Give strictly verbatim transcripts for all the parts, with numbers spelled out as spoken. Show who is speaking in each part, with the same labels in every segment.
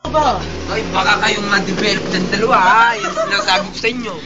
Speaker 1: ba?
Speaker 2: Ay, baka kayong ma-develop ng dalawa ha. Yan sinasabi ko sa inyo.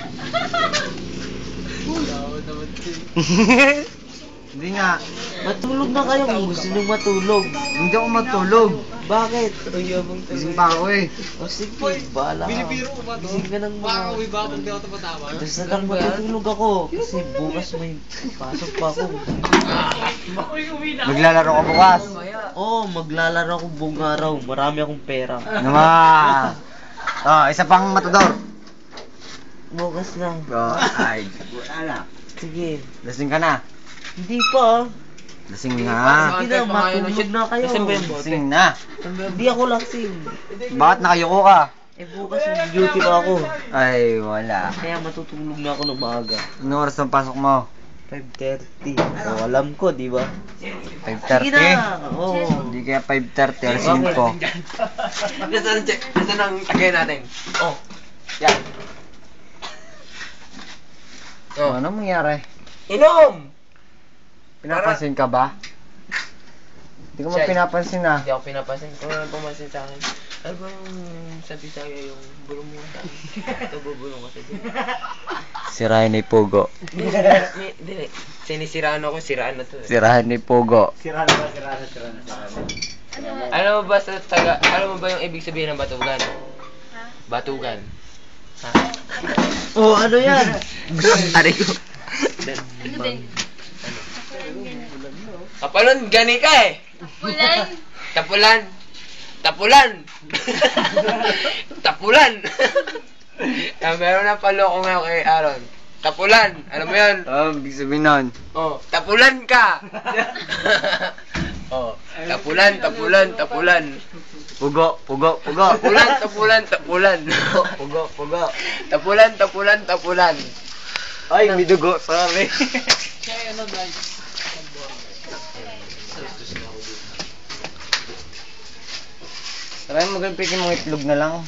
Speaker 3: Hindi nga.
Speaker 1: Matulog na kayo kung gusto nyo matulog.
Speaker 3: Hindi ako matulog.
Speaker 1: Bakit?
Speaker 3: Gising pa ako eh.
Speaker 1: O sige, bahala ka. Gising ka ng mga... Tapos na lang matutulog ako. Kasi bukas may pasok pa ako.
Speaker 3: Maglalaro ka bukas.
Speaker 1: Oo, oh, maglalaro ako buong araw. Marami akong pera.
Speaker 3: Naman. Oh, isa pang matador.
Speaker 1: Bukas na.
Speaker 3: Oh, ay. Wala na.
Speaker 1: Sige.
Speaker 3: Lasing ka na.
Speaker 1: Hindi pa.
Speaker 3: Lasing na.
Speaker 1: Sige na, matulog na kayo.
Speaker 3: Lasing na.
Speaker 1: Hindi ako lasing.
Speaker 3: Bakit nakayuko ka?
Speaker 1: Eh bukas may duty pa ako.
Speaker 3: Ay, wala.
Speaker 1: Kaya matutulog na ako ng maaga.
Speaker 3: Anong oras ang pasok mo?
Speaker 1: five thirty. O, alam ko, di ba?
Speaker 3: five
Speaker 1: Sige
Speaker 3: thirty?
Speaker 1: na. Oo.
Speaker 3: Hindi kaya five thirty, alas cinco.
Speaker 2: Nasaan ang check? Nasaan ang tagay natin? Oh. Yan.
Speaker 3: Oh. Ano mangyari?
Speaker 2: Inom!
Speaker 3: Pinapansin ka ba? Hindi ko mo
Speaker 2: Check.
Speaker 3: pinapansin ah.
Speaker 2: Hindi ako pinapansin. Kung ano pumansin sa akin. Ano bang sabi sa'yo yung bulong mo sa akin? Ito bubulong ko sa'yo.
Speaker 3: Sirahan ni Pogo.
Speaker 2: Hindi. Sinisiraan ako, siraan na to eh.
Speaker 3: Sirahan ni Pogo.
Speaker 4: Sira na ba? Sira na, sira na, sira na.
Speaker 2: Alam mo ba sa taga, alam mo ba yung ibig sabihin ng batugan? Ha? Batugan. Ha?
Speaker 1: Oh, ano yan?
Speaker 2: Aray ko.
Speaker 5: Ano din?
Speaker 2: Kapalon, gani ka eh.
Speaker 5: Ulan?
Speaker 2: Tapulan. Tapulan. Tapulan. Ah, meron na paloko nga kay Aaron. Tapulan. Alam mo yun?
Speaker 3: Oh, ibig sabihin nun.
Speaker 2: Oh, tapulan ka. Oh, tapulan, tapulan, tapulan.
Speaker 3: Pugo, pugo, pugo.
Speaker 2: Tapulan, tapulan, tapulan.
Speaker 3: Pugo, pugo.
Speaker 2: Tapulan, tapulan, tapulan.
Speaker 3: Ay, may dugo. Sorry. Try mo magpikin mga itlog na lang.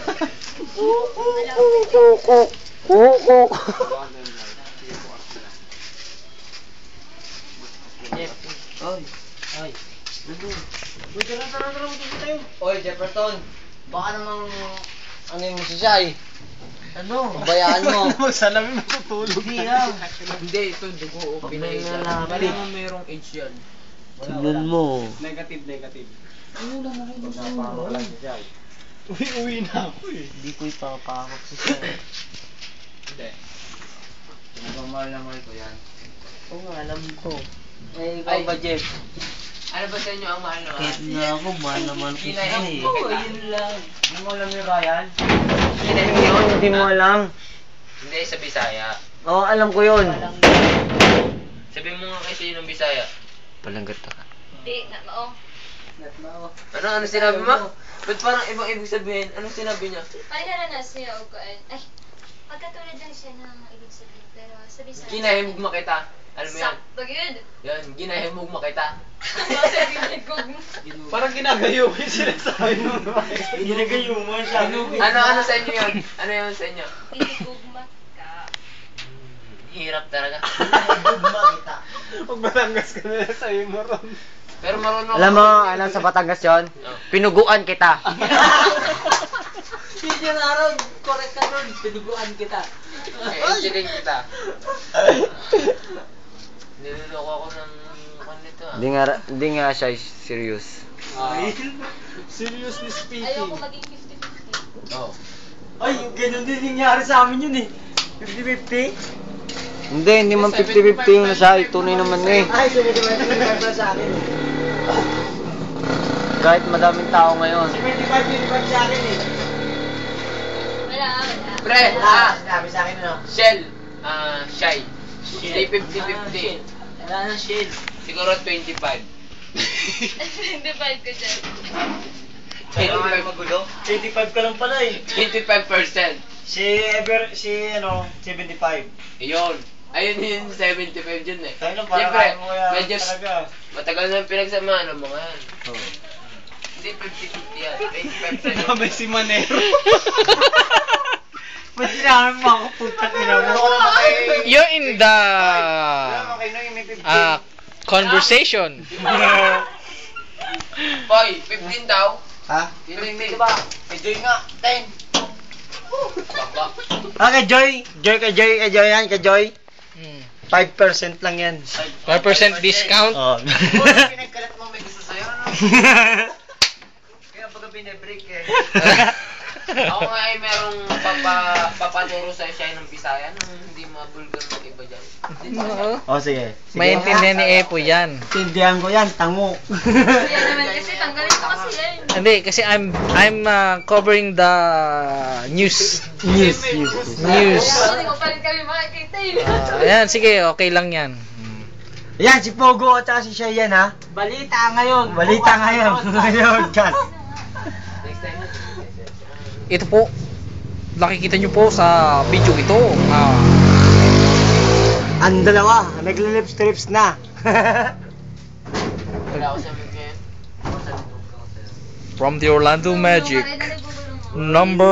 Speaker 1: Oy. Ay.
Speaker 4: Uy, tara, tara, tara, matulog tayo.
Speaker 3: Oy, Jefferson. Baka namang ano yung masisya eh.
Speaker 1: Ano?
Speaker 3: Bayaan mo.
Speaker 4: Sana may matutulog.
Speaker 1: Hindi ah.
Speaker 2: Hindi, ito dugo o pinay.
Speaker 1: Pinalapit.
Speaker 2: Kailangan mayroong age yan.
Speaker 1: Tignan mo.
Speaker 4: Negative, negative.
Speaker 1: Ano lang ako gusto
Speaker 4: Uy, uwi na ako eh.
Speaker 1: Hindi ko ipapakak sa siya.
Speaker 2: Hindi.
Speaker 3: Mahal na mahal ko yan.
Speaker 1: Oo nga, alam ko.
Speaker 3: Eh,
Speaker 2: Ay.
Speaker 3: ikaw ba, Jeff?
Speaker 2: Ano ba sa inyo ang mahal na mahal?
Speaker 1: Kahit nga ako, mahal naman kita eh.
Speaker 2: Oo, yun lang.
Speaker 3: Hindi mo alam yung Ryan?
Speaker 2: Hindi,
Speaker 3: Yun, hindi mo alam.
Speaker 2: Hindi, sa Bisaya.
Speaker 3: Oo, alam ko yun.
Speaker 2: Sabi mo nga kasi yun ng Bisaya.
Speaker 3: Palanggat ka.
Speaker 5: Di, na mao.
Speaker 2: Ano, ano sinabi mo? Ba't parang ibang ibig sabihin? Anong sinabi niya?
Speaker 5: Ay, naranas niya o kuan. Ay, magkatulad lang siya ng ibig sabihin. Pero sabi sa...
Speaker 2: Ginahimog makita. Alam mo yan?
Speaker 5: Sakto yun.
Speaker 2: Yan, ginahimog makita.
Speaker 5: Ano sabi niya kung...
Speaker 4: Parang ginagayo ko yung sinasabi mo. Ginagayo mo siya.
Speaker 2: Ano, ano sa inyo yun? Ano yun sa inyo?
Speaker 5: Tinigugmat ka.
Speaker 2: Hirap talaga.
Speaker 4: Pag Batangas ka na sa'yo mo ron.
Speaker 2: Pero marunong
Speaker 3: Alam mo, alam sa Batangas yun? Pinuguan kita.
Speaker 1: Hindi niya na ron. Correct ka ron. Pinuguan kita.
Speaker 2: Eh, engineering kita. Niloloko ako ng kwan nito ah.
Speaker 3: Hindi nga, hindi nga siya serious.
Speaker 4: Seriously speaking.
Speaker 5: Ayoko maging fifty fifty.
Speaker 2: Oo.
Speaker 4: Ay, ganun din nangyari sa amin yun eh. fifty fifty?
Speaker 3: Hindi, hindi man fifty fifty yung nasa tunay naman eh.
Speaker 4: Ay, seventy-five seventy-five sa akin.
Speaker 3: Kahit madaming tao ngayon.
Speaker 4: seventy-five twenty-five sa akin eh.
Speaker 5: Wala, wala.
Speaker 2: Pre,
Speaker 4: Ah,
Speaker 2: ah,
Speaker 4: sinabi sa akin ano?
Speaker 2: Shell, ah, Shy. Stay fifty fifty.
Speaker 1: Wala na shield.
Speaker 2: Siguro twenty-five.
Speaker 5: twenty-five ko dyan.
Speaker 2: twenty-five.
Speaker 4: magulo? eighty-five ka lang pala eh.
Speaker 2: twenty-five percent.
Speaker 4: Si Ever, si ano, seventy-five.
Speaker 2: Ayun. Ayun yung seventy-five dyan eh.
Speaker 4: Tayo lang, parang
Speaker 2: Siyempre,
Speaker 4: kaya mo yan
Speaker 2: medyo
Speaker 4: talaga.
Speaker 2: matagal na pinagsamahan ng mga yan. Hindi fifty fifty yan. twenty-five percent.
Speaker 4: May si Manero. Ba't sinabi mo ako putang ina mo?
Speaker 6: You're in the
Speaker 4: Okay na yung may fifty.
Speaker 6: uh, conversation.
Speaker 2: Boy, fifteen daw.
Speaker 7: Ha?
Speaker 3: Diba? Enjoy nga. Ten. Baba.
Speaker 7: Ah, kay Joy. Joy, kay Joy, kay Joy yan, kay Joy.
Speaker 6: Hmm.
Speaker 7: five percent lang yan.
Speaker 6: five percent discount.
Speaker 7: Oh.
Speaker 3: Pinagkalat mo may gusto sa'yo, ano? Kaya baga binibreak eh. Ako nga ay merong papa, papanuro sa'yo siya ng Bisaya nung hindi mabulgar mag-iba dyan.
Speaker 6: Oo.
Speaker 7: Oh, sige. sige.
Speaker 6: Maintindihan ni Epo yan.
Speaker 7: Tindihan ko yan, tango.
Speaker 5: Kaya naman kasi tanggalin ko kasi yan.
Speaker 6: Hindi, kasi I'm I'm uh, covering the news.
Speaker 7: Yes, yes, yes.
Speaker 6: News.
Speaker 5: Hindi ko pa rin kami makikita yun.
Speaker 6: Ah, ayan, sige, okay lang yan.
Speaker 7: Yan, si Pogo at saka si Cheyenne, ha?
Speaker 3: Balita ngayon.
Speaker 7: Balita ngayon. Ngayon, Kat.
Speaker 6: Ito po, nakikita nyo po sa video ito. Ah,
Speaker 7: Ang dalawa, nagle-lips-trips na.
Speaker 3: Wala ako sa mga ngayon.
Speaker 6: from the Orlando Magic, number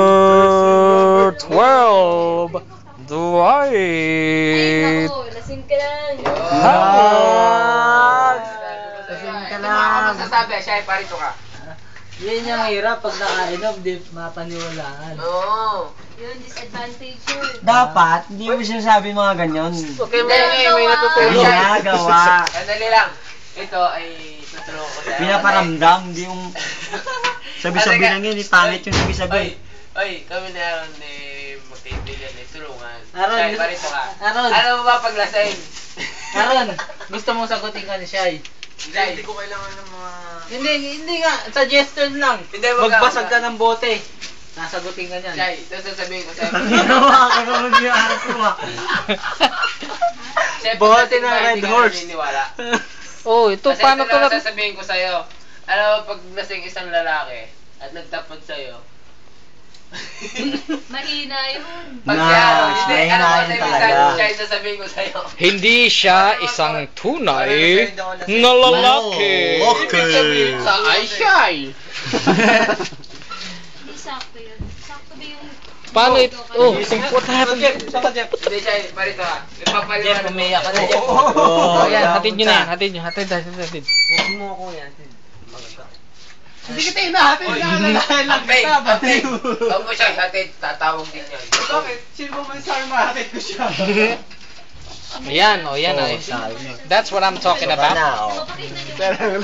Speaker 6: twelve,
Speaker 5: Ay,
Speaker 6: Dwight
Speaker 5: naku, lasing ka lang.
Speaker 6: Howard.
Speaker 7: Kasing ka
Speaker 3: Ito mga ako
Speaker 7: lang.
Speaker 3: masasabi, siya ay parito ka.
Speaker 2: Yan yung hirap pag nakainom, di mapaniwalaan.
Speaker 3: Oo.
Speaker 5: Yun, disadvantage yun.
Speaker 7: Dapat, hindi mo sinasabi mga ganyan.
Speaker 3: Okay, may,
Speaker 5: Ginagawa.
Speaker 3: may, may natutulog.
Speaker 7: Ginagawa.
Speaker 3: Sandali lang. Ito ay tutulungan ko sa'yo.
Speaker 7: Pinaparamdam, hindi yung sabi-sabi lang yun, eh, pangit yung
Speaker 3: Oy,
Speaker 7: sabi-sabi.
Speaker 3: oy, kami na Aaron eh, magkaibigan eh, tulungan.
Speaker 2: Aaron,
Speaker 3: Shai, parito ka.
Speaker 2: Aaron.
Speaker 3: Ano mo ba paglasing?
Speaker 2: Aaron, gusto mong sagutin ka ni Shai?
Speaker 3: Shai. Hindi ko kailangan ng mga...
Speaker 2: Hindi, hindi nga. Suggestion lang.
Speaker 3: Hindi, wag ka,
Speaker 2: Magbasag
Speaker 3: wag
Speaker 2: ka
Speaker 3: ka.
Speaker 2: ng bote. Nasagutin ka niyan.
Speaker 3: Shai, ito sasabihin ko sa'yo.
Speaker 7: Ginawa ko naman yung araw ko, ha?
Speaker 3: Siyempre,
Speaker 7: Bote
Speaker 3: kasi
Speaker 7: ng
Speaker 3: ba,
Speaker 7: Red
Speaker 3: hindi ka
Speaker 7: Horse.
Speaker 3: naniniwala.
Speaker 6: Oh, ito
Speaker 3: Kasi
Speaker 6: paano
Speaker 3: ito
Speaker 6: to
Speaker 3: lang
Speaker 6: na
Speaker 3: sasabihin ko sa'yo. Alam mo, pag lasing isang lalaki at nagtapad sa'yo,
Speaker 5: Mahina yun.
Speaker 3: pag
Speaker 7: Nah,
Speaker 3: siya, hindi,
Speaker 7: mahina
Speaker 3: ano ba
Speaker 7: yun
Speaker 3: sa
Speaker 7: talaga.
Speaker 3: ibig siya yung sasabihin ko sa'yo?
Speaker 6: hindi siya isang tunay na lalaki.
Speaker 7: Okay.
Speaker 3: Ibig sabihin sa ay shy.
Speaker 5: Hindi sakto yun. Sakto ba yung...
Speaker 6: Paano ito? Oh, what happened?
Speaker 3: Hindi siya, parito ka. Ipapaliwanag
Speaker 2: Jeff, umiyak ka na, Jeff.
Speaker 6: Oh, yan, hatid nyo na yan, hatid nyo, hatid, hatid, hatid.
Speaker 2: Huwag mo ako yan.
Speaker 3: Hindi kita hinahatid na nalalayan lang kita. Ampeng, huwag mo siya hatid, tatawag din yan. Bakit? Sino mo man sa akin mahatid ko siya?
Speaker 6: Ayan, oh, yan, oh. That's what I'm talking about.
Speaker 5: Mapakita niyo.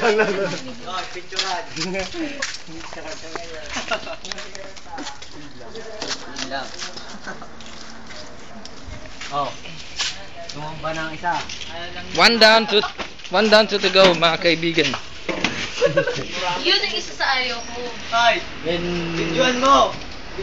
Speaker 7: Oh. Tumamba ng isa.
Speaker 6: One down to, one down to the go, mga kaibigan.
Speaker 5: Yun ang isa sa ayaw ko.
Speaker 7: Videoan mo!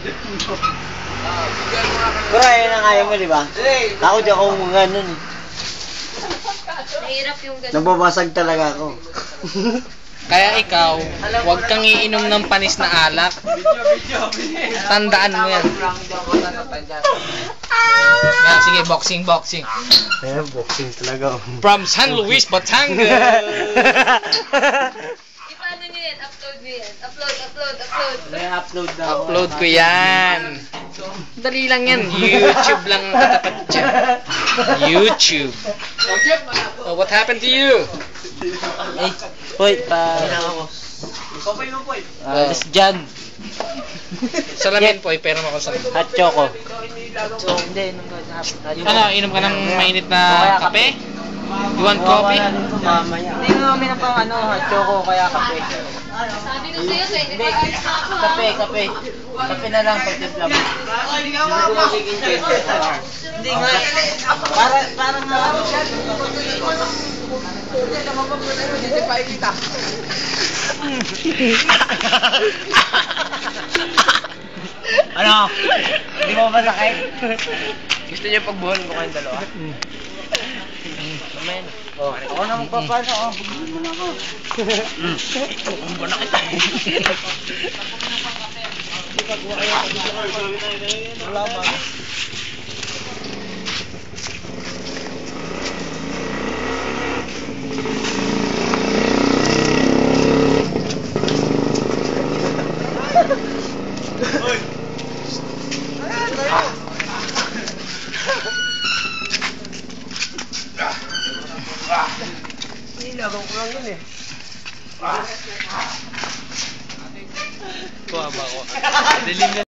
Speaker 7: Pero ayun ang ayaw mo, di ba? Ako di ako mga nun eh.
Speaker 5: Nahirap yung ganun.
Speaker 7: Nababasag talaga ako.
Speaker 6: Kaya ikaw, huwag kang iinom ng panis na alak. Tandaan mo yan. Yan, sige, boxing, boxing.
Speaker 7: Ayun, boxing talaga.
Speaker 6: From San Luis, Batangas.
Speaker 5: Ipaano nyo yan? Upload nyo yan. Upload, upload, upload.
Speaker 2: May upload na ako.
Speaker 6: Upload ko yan. Dali lang yan. YouTube lang ang katapat dyan. YouTube. Oh, what happened to you?
Speaker 2: Eh, Poy, pa... Ah, uh, dyan.
Speaker 6: Salamin po, pero mo ako sa...
Speaker 2: Hot choco. So, hindi, nung
Speaker 6: Ano, inom ka ng mainit na kape? You want coffee?
Speaker 2: Mamaya. Hindi nga kami ng pang ano, hot choco, kaya kape.
Speaker 5: Sabi ko sa'yo, twenty-four hours na ako ha.
Speaker 2: Kape, kape. Kape na lang pag timpla mo. Hindi nga. Para, parang nga.
Speaker 7: Ano? Hindi mo ba sakit?
Speaker 3: Gusto niyo pagbuhan ko kayong dalawa?
Speaker 2: Amen. Oh, ako na magpapano. Oh, bugin mo na ako.
Speaker 3: Tumbo na kita.
Speaker 2: Wala ba?
Speaker 3: Nilagaw ko lang yun eh.
Speaker 6: Dilim na.